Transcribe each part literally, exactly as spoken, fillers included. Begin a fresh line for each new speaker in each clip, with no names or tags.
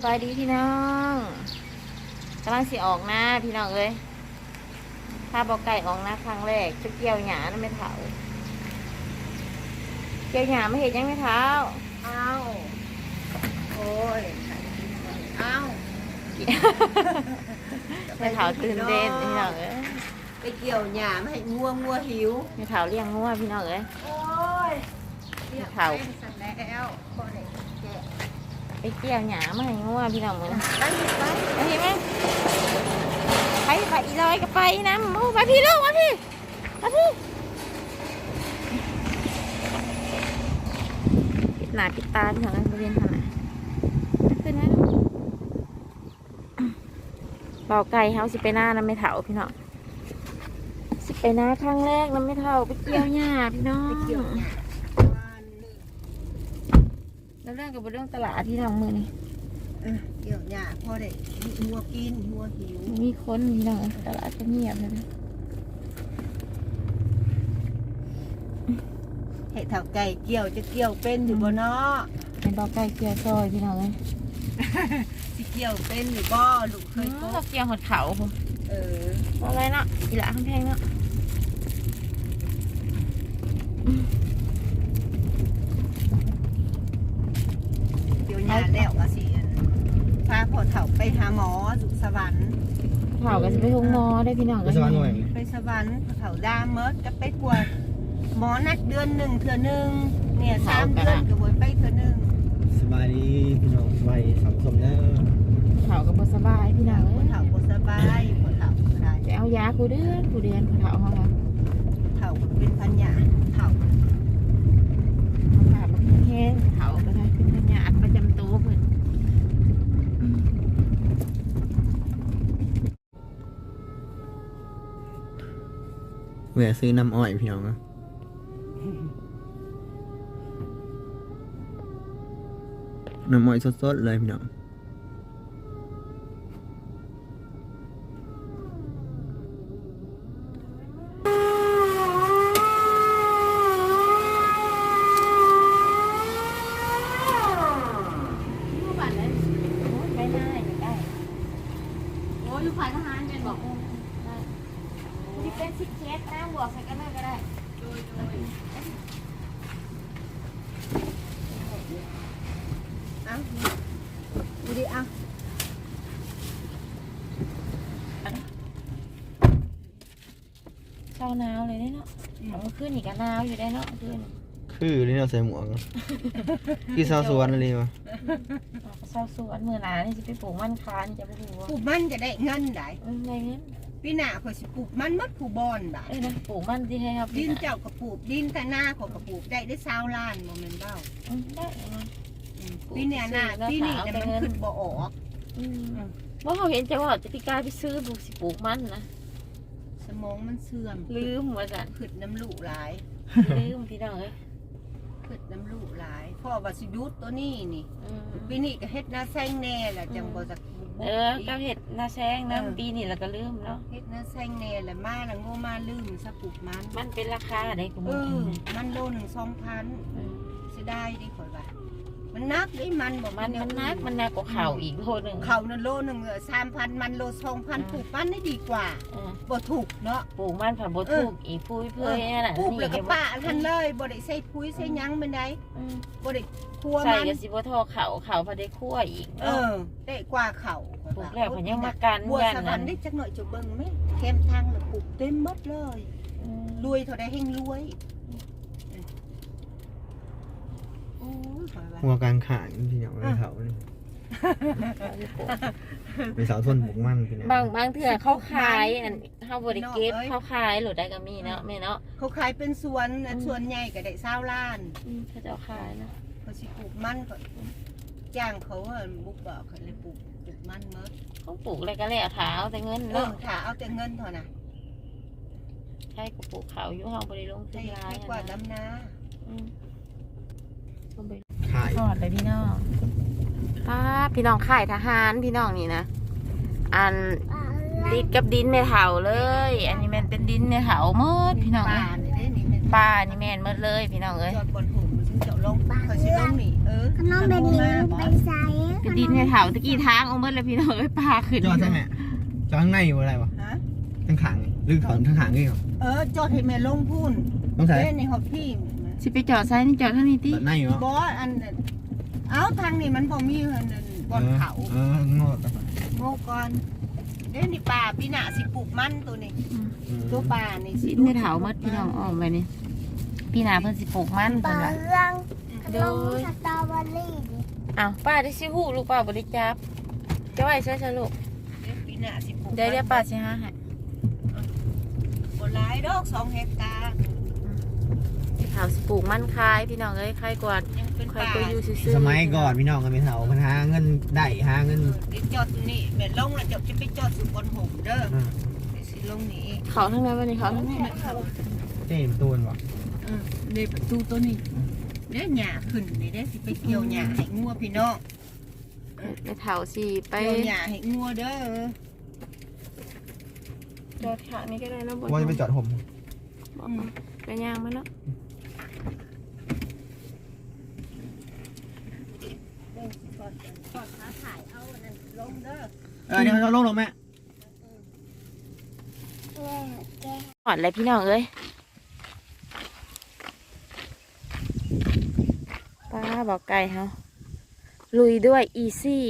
บายดีพี่น้องกำลังสิออกนะพี่น้องเอ้ยถ้าบอกไก่ออกนะครั้งแรกจะเกี่ยวหยานะไม่เท้าเกี่ยวหยาไม่เห็นยังไม่เท้า
อ้าวโอ้ยอ้าว
ไม่เท้าตื่นเต้นพี่น้องเอ้ย
ไปเกี่ยวหญ้าไม่ให้งัวงัวหิว
ไม่เท้าเลี้ยงงัวพี่น้องเอ้ย
โอ้ย
ไม่เท้า
สั่นแล้วพอเลยแกะ
ไปเกี่ยวหยาไม่ให้งัวพี่น้องเอ้ย
ไปไป
ไปเห็นไหมไปไปอีลอยก็ไปนะโอ้ไปพี่ลูกมาพี่มาพี่ปิดหน้าปิดตาพี่น้องเอ้ยบริเวณทางไหนขึ้นไหมเบาไก่เฮาสิไปหน้าน้ำไม่เถาพี่น้องสิไปหน้าครั้งแรกน้ำไม่เถาไปเกี่ยวหญ้าพี่น้อง
ไปเกี่ยวหญ้า
แล้วเรื่องกับเรื่องตลาดที่น้องมือนี่
เออเกี่ยวหญ้าพอได้งัวกินงัวหิว
มีคนพี่น้องตลาดก็เงียบเลยนะ
ให้เท่าไก่เกี่ยวจะเกี่ยวเป็นอยู่บ่เนาะ
ในเบาไก่เกี่ยวซอยพี่น้องเลย
สิเกี่ยวเป็นอยู่บ่ลูกเคย
เรา
ก็
เกี่ยวหดเขาผม
เออ
อะไรเนาะอีหละข้างแพงเนาะ
เกี่ยวหญ้าแล้วก็สิพาพ่อเฒ่าไปหาหมอสุขสวรรค์
เผากันจะไปทุ่งมอได้พี่น้อง
ไปสวรรค์หน่อย
ไปสวรรค์เขาดามเมิดก็ไปกวดหมอนัดเดือนหนึ่งเถื่อหนึ่งเนี่ยสามเดือนก็บวยไปเถื่อหนึ่ง
สบายดีพี่น้องสบายสังคมเด้อ
เผากับบสบายพี่น้อง
ค
เอ้
น
ย
เฒ่าคนสบายคนเฒ่าก็ได้
จะเอายาคูเดือนคูเดือนคูเผาเขาค่ะ
เฒ่าเป็นพันยาเฒ่า
เขาผ่ามาแห้งเผาก็ได้เป็นพยาธิประจำตัวเพิ่น
แหวะซื้อน้ำอ้อยพี่น้องนะน้ำอ้อยสดๆเลยพี่น้อง
เป็นสิบเคสนะบวกใส่กันเลยก็ได้
เอ้าดูดิเอ้า
เช้าหนาวเลยเนาะเอาขึ้นอีกก็หนาวอยู่ได้เนาะขึ้น
คือนี่เราใส่หมวกพี่สาวสวนอะไรวะ
เช้าสวนมือหนานี่จะไปปลูกมันคานจะไปดูว่า
ปลูกมันจะได้เงินได้
เอออะไรเงี้ย
พี่หน้าข่อยสิปลูกมันมัดผู้บอนบ่า
เอ้ยนะปลูกมันที่ให้ครับ
ดินเจ้าก็ปลูกดินแต่หน้าของก็ปลูกได้ได้ซาวล้านโมเมนต์เบ้า
อืมได้นะ
อืมปีเนี้ยหน้าปีนี้แต่มันขึ้นบ่ออก
อืมว่าเขาเห็นจะว่าจะพิการไปซื้อปลูกสิปลูกมันนะ
สมองมันเสื่อม
ลืมว่าสัน
ขึ้นน้ำลูกหลาย
ลืมพี่น้องเอ้ย
ขึ้นน้ำลูกหลายพ่อว่าสิหยุดตัวนี้นี่
อืม
ปีนี้ก็เฮ็ดหน้าแซงแน่แหละจังบ่จักบุก
เออก็เห็ดนาแซงนะปีนี้เราก็ลืมเนาะ
เฮ็ดหน้าแซงแน่แหละมาแล้วโง่มาลืมซะปลูกมัน
มันเป็นราคาได้กู
เอ
มึง
อมันโลหนึ่งสองพันเสียดายดิข่อยว่ามันนักดิมันบ่
มันมันนักมันนักกว่าเข่าอีกโลหนึ่ง
เขานั่นโลหนึ่งสามพันมันโลสองพันปลูกมันได้ดีกว่า
เออ
บ่ถูกเนาะ
ปลูกมันผักบดถูกอีกพุ้ยเพื่อยน่ะ
ปลูกแล้วก็
นี่
ป้าทันเลยบ่ได้ใส่ปุ๋ยใส่หยังเป็นได
อืม
บ่ได้ครัว
ใส่
มัน
กับสิบทอเข่าเข่าพอได้คั่วอีก
เออได้กว่าเขา
ปลูกแล้วมันยังมากัน
บัว
ยัน
สวร
นั้
ร
น
ค์ได้จักหน่อยจะเบิ่งไหมแคมทางแล้วปลูกเต็มหมดเลย
อืม
รวยเท่าใดแห่งรวยโอ้ยข่อยว่า
หัวกลางขางพี่น้องไปเสานี่ไปเสาส้นปลูกมันพี่น้อง
บางบางเถื่อเขาขายอันเขาบริเก็บเขาขายหรือได้ก็มีเนาะแม่เนาะ
เขาขายเป็นสวนนะสวนใหญ่ก็ได้เศร้าล้าน
อืมเขาจะเอาขายนะ
เขาสิปลูกมันก็จ้างเขาว่าบุกบอกเขาเลยปลูกปลูกมันเมื่อ
เขาปลูกอะไรก็แล้วเท้าแต่เงิน
เออ
เนาะ
ถ้าเอาแต่เงินเท่านั้น
ใช่กูปลูกเขาอยู่ห้องบริลงทุ
ให้
นร้าย
ให้กว่า
นะ
ดำนา
อืมต้องไป
ขาย
ทอดเลยพี่น้องป้าพี่น้องข่ายทหารพี่น้องนี่นะ อันดินกับดินในเถาเลย อันนี้แมันเป็นดินในเถาเมื่อพี่น้อง
ป่า
เอ้ย
นี่เด้นี่แม่น
ป้านี่แม่นเมื่อเลยพี่น้องเอ้ย
จอดบนหุ่นมันถึงเจาะลงเขาสิลงนี่เอออ
ขนมเป็นดินเป็นใส
เป็นดินในเถาตะกี้ทางเอาเมื่อแล้วพี่น้องเอ้ยปลาขึ้น
จอดใช่ไหมจอดข้างในอยู่อะไรวะ
ฮะ
ทั้งขางหรือถอนทั้งขางนี่เหรอ
เออจอดให้แม่ลงพุ่น
ต้องใส่
เล่นในฮอบพี่
สิไปจอดซ้ายนี่จอดเท่านี้ติ
จอดในอยู่เหรอบ
อสอันนั้นเอาทางนี้มันบ่มีอันนั้นบนเขา
เออโง่ต่อไป
โง่ก่อนเด้นี่ป่าพี่หน้าสิปลูกมันตัวนี้ตัวป่านี่สิ
ดินในเถาเมื่อพี่น้องออกไปนี่พี่นาเพิ่นสิปลูกมัน
ป
เพิ่
ลาน
ว่า
เรื่องขนมสตรอเบอรี่ดิ
อ้าวป้าได้สิฮู้ลูกป้าบ่ได้จับจะไว้ใช่ๆลูก
เด้ปีหน้าสิปลูก
เดี๋ยวเดี๋ยวป้าสิหาให้
บ่หลายดอกสองเฮกตาร์
เถาสิปลูกมันคายพี่น้องเอ้ยคายกว่า
ยังเป็น
คาย
ป่า
ก็อยู่ซื่อๆ
สมัยก่อนพี่น้องกันเป็นเสามันหาเงินได้หาเงิน
เดี๋ยวจอดนี่แม่ลงแล้วจะจะไปจอดสุบนห่มเด้อเดี๋ยวสิลงนี้
เขาทั้งนั้นวันนี้เขาทั้งนั้น
เจ๊ตูนวะ
เออในประตูตัวนี้เด้หญ้าขึ้นนี่เด้สิไปเกี่ยวหญ้าให้งัวพี่น้อง
ในเถาสิไป
เกี่ยวหญ้าให้งัวเด้อ
จอดข้างนี้ก็ได้นะบ่
ว่าจะไปจอดผม
บอกไปย่างมันเนาะ
เด้อจอดจอดขาถ่ายเอาอันนั้นลงเด้อ
เออเดี๋ยวเราลงหรอแม่
แม่แก
หอดเลยพี่น้องเอ้ยป้าบอกไก่เฮาลุยด้วยอีซี่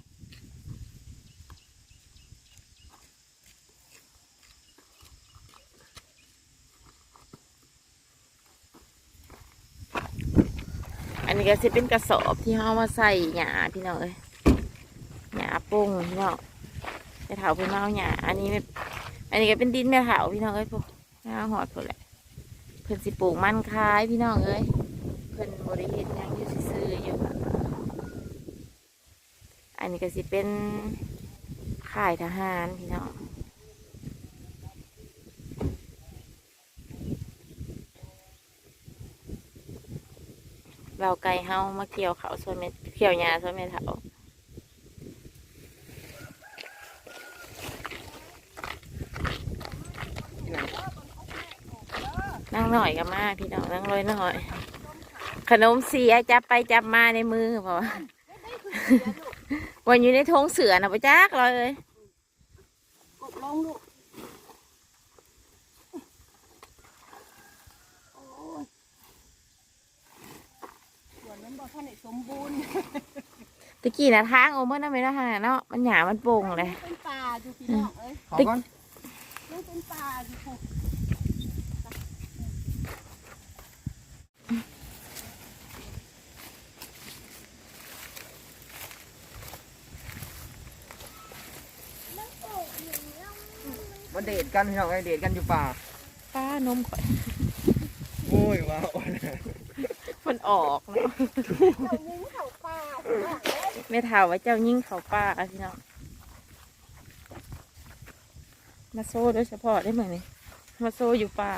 อันนี้ก็สิเป็นกระสอบที่เขามาใส่หญ้าพี่น้องเอ้ยหญ้าปุ้งพี่น้องแม่เถาเพิ่นมาเอาหญ้าอันนี้ไม่อันนี้ก็เป็นดินแม่เถาพี่น้องเอ้ยพวกหญ้าหอดพวกแหละเพิ่นสิปลูกมันคายพี่น้องเอ้ยเพิ่นบริเฮ็ดหยังอยู่ซื่อๆอยู่อันนี้ก็สิเป็นค่ายทหารพี่น้องเราไก่เฮามาเกี่ยวเขาส่วนเม็ดเกี่ยวหญ้าส่วนเม็ดเถานั่งหน่อยก็มาพี่น้องนั่งลอยหน่อย ขนมเสียจับไปจับมาในมือเพราะว่า วันอยู่ในทงเสือนะปะจักเลย
กดลงลูกโอ้ยส่วนนั้นบ่ทันได้สมบูรณ์
ตะกี้นะทางโอ้เมื่อนั้นไม่ได้ทางเนาะมันหยามันโป่งเลย
เป็นป่าอยู่พี่น้องเอ้ย
ขอก่อน
ยังเป็นป่าอยู่พวก
มาเดทกันพี่น้องไอเดทกันอยู่ป่า
ป้านมข่อย
โอ้ยว้าว
มันออกเนาะ
ยิงเขาปลา
ไม่เท่าว่าเจ้ายิ่งเขาป้าอะพี่น้องมาโซ่โดยเฉพาะได้ไหมนี่มาโซ่อยู่ป่า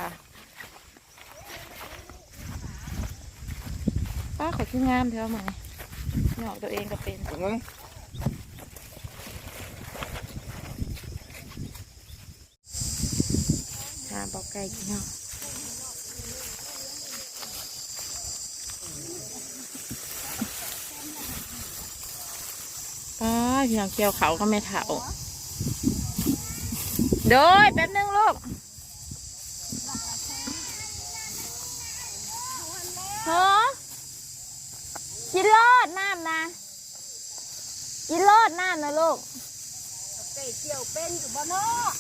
ป้าขอชื่องามเท่าไหมหนอกตัวเองก็เป็น
ถูกไหม
หาบอกไก่พี่น้องป้าพี่น้องเกี่ยวเขาก็ไม่เท่าโดยแป๊บนึงลูกฮะกินรอดน้ำนะกินรอดน้ำนะลูก
ไก่เกี่ยวเป็นอยู่บ่เนาะ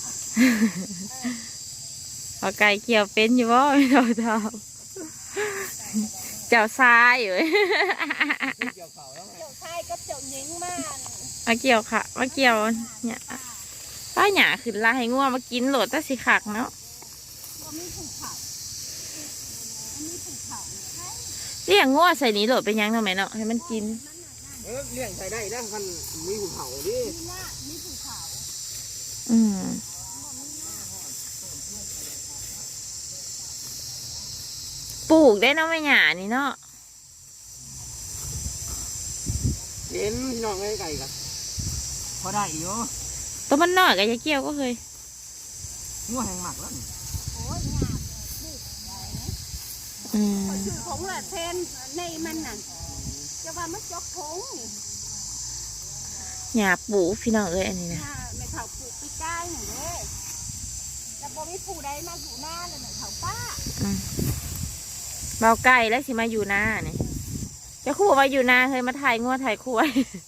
เอาไก่เกี่ยวเป็นอยู่บ่ไม่เราทำเจ้าทรายอยู่
เกี่ยวชายกับเจ้าหญิงมา
มาเกี่ยวค่ะมาเกี่ยวเนี่ยป้าหยาขึ้นลาให้งัวมากินโหลดแต่สิขักเนาะ
บ่มีภูเขาบ่มีภูเขา
เลี้ยงงัวใส่นี้โหลดเป็นยังทำไมเนาะให้มันกิน
เออเลี้ยงใส่ได้แล้วคันมีหูเผาดิ
มีหน้ามีภูเขา
อืมปลูกได้เนาะไม่หยานี่เนาะ
เห็นพี่น้องไอ้ไก่กันพอได้อยู่
ตัวมันน้อยกับยาเกี่ยวก็เคย
งัวแห้งหมักแล้วนี่
โอ้ยหยาบบุกใหญ่นะ
อืม
ชื่อของละเทนในมันน่ะจจะว่ามันจกพง
หญ้าปูพี่น้องเอ้ยอันนี้นะ
ถ้าแม่เฒ่าปลูกปีกายหนึ่งเด้แล้วบ่มีผู้ใดมาอยู่หน้าเลยแม่เฒ่าป้า
เบาไก่แล้วสิมาอยู่นาเนี่ยจะคู่ว่าอยู่นาเคยมาถ่ายงัวถ่ายควาย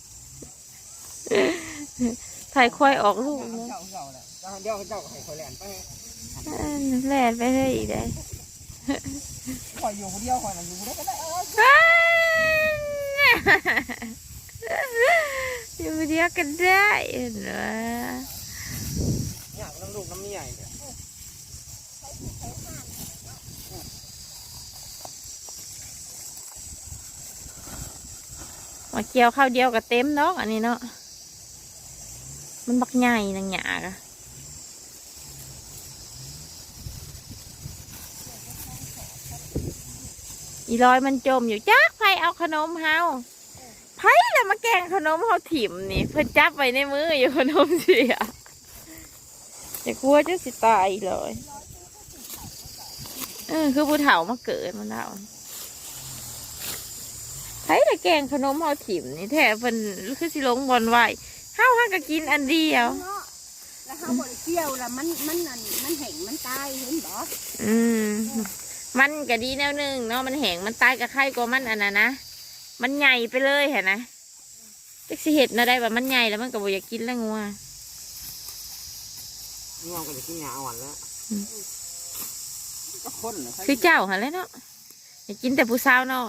ถ่ายควายออกลูกเนาะ
เจ้าเจ้าแหละเจ้าเดี๋ยวเจ้าให้ข่อยแล่นไป
เออแล่นไปเลยอีกได้
ข่อยอยู่คนเดียวข่อยน่ะอยู่ได้ก็ได้เออ
อยู่เดียวกันได้เห็นไหม
อยากน้ำลูกน้ำเมียเนี่ย
มาเกี่ยวข้าวเดียวกับเต็มเนาะอันนี้เนาะมันบักใหญ่นางหยากะอีลอยมันจมอยู่จักไผเอาขนมเฮาไผแล้วมาแกงขนมเฮาถิ่มนี่เพิ่นจับไว้ในมืออยู่ขนมเสียแต่กลัวจะสิตายเลยเออคือผู้เฒ่ามาเกิดมันแล้วไผแต่แกงขนมเฮาถิ่มนี่แท้เพิ่นคือสิลงบอลไว้เฮาหักก็กินอันเดียว
เนาะแล้วเขาบ่ได้เกี่ยวแล้วมันมันนั่นมันแห้งมันตายเห็นบ่
อืมมันก็ดีแนวหนึ่งเนาะมันแห้งมันตายกับไข่กว่ามันอันนั้นนะมันใหญ่ไปเลยเห็นนะจักสิเห็ดนะได้ว่ามันใหญ่แล้วมันก็บ่อยากกินแล้วงัว
ง่วงก็จะกินยาอ่อนแล้วก็คนเหรอ
คือเจ้าหันแหล้วเนาะอยากกินแต่ผู้สาวน้อย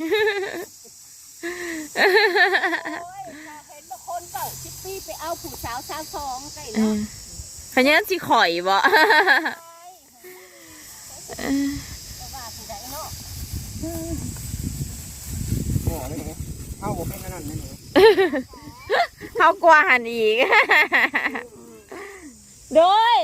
โอ้ยถ้าเห็นบางคนเก่าชิปปี้ไปเอาผู้สาวสาวสองใส่
เอ
เนาะ
อขยันสิข่อยบ่
แต่ว่าผู้ใดเนาะ
โอ้เลยเนี่ยเอาผมเป็นขนาดนั้นเลย
เขากว่าหันอีก โดย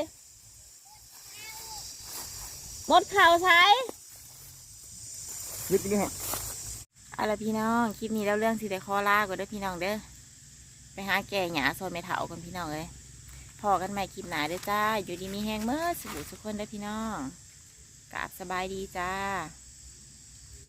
หมดข่าวใช้
ยึดนี่ฮะ
เอาล่ะพี่น้องคลิปนี้แล้วเรื่องสิได้ขอลาก่อนเด้อพี่น้องเด้อไปหาแก่หยาซอยไม่เถากันพี่น้องเอ้ยพอกันใหม่คลิปหนาเด้อจ้าอยู่ดีมีแห้งเมื่อสุขสุขคนเด้อพี่น้องกราบสบายดีจ้า